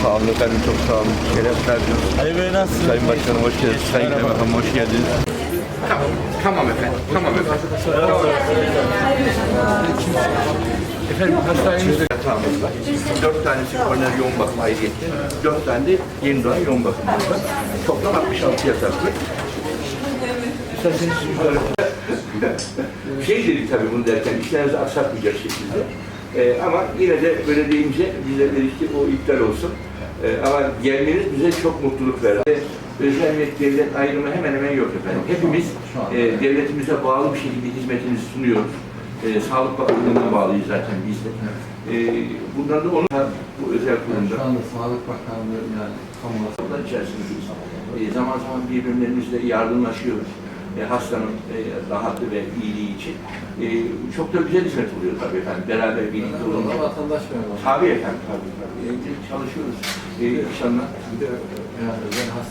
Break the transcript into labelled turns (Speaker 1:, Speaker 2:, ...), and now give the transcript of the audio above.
Speaker 1: Sağ olun efendim, çok sağ olun. Şeref verdiniz.
Speaker 2: Ali Bey nasılsınız?
Speaker 1: Sayın Başkanım hoş geldiniz. Sayın Kaymakam hoş geldiniz.
Speaker 3: Tamam efendim. Tamam efendim. Efendim hastanemizde yatağımız var. 4 tanesi koroner yoğun bakım ayrıyette. 4 tane de yeni doğan yoğun bakımımız var. Toplam 66 yataklı. İsterseniz yukarı. Şey dedik tabii bunu derken, işlerinizi aksatmayacak şekilde. Ama yine de böyle deyince bize dedik ki o iptal olsun. Ama gelmeniz bize çok mutluluk verdi. Özel ve devlet ayrımı hemen hemen yok efendim. Hepimiz devletimize bağlı bir şekilde hizmetimizi sunuyoruz. Sağlık Bakanlığı'na bağlıyız zaten biz de. Bundan da onu bu özel kurumda.
Speaker 4: Şu anda Sağlık Bakanlığı yani kamuoyu
Speaker 3: içerisindeyiz. Zaman zaman birbirlerimizle yardımlaşıyoruz. Hastanın rahatı ve iyiliği için. Çok da güzel hizmet oluyor tabii efendim. Beraber birlikte olunca.
Speaker 4: vatandaş memuru.
Speaker 3: Tabii efendim, tabii. Çalışıyoruz. İnşallah.
Speaker 4: Yani özel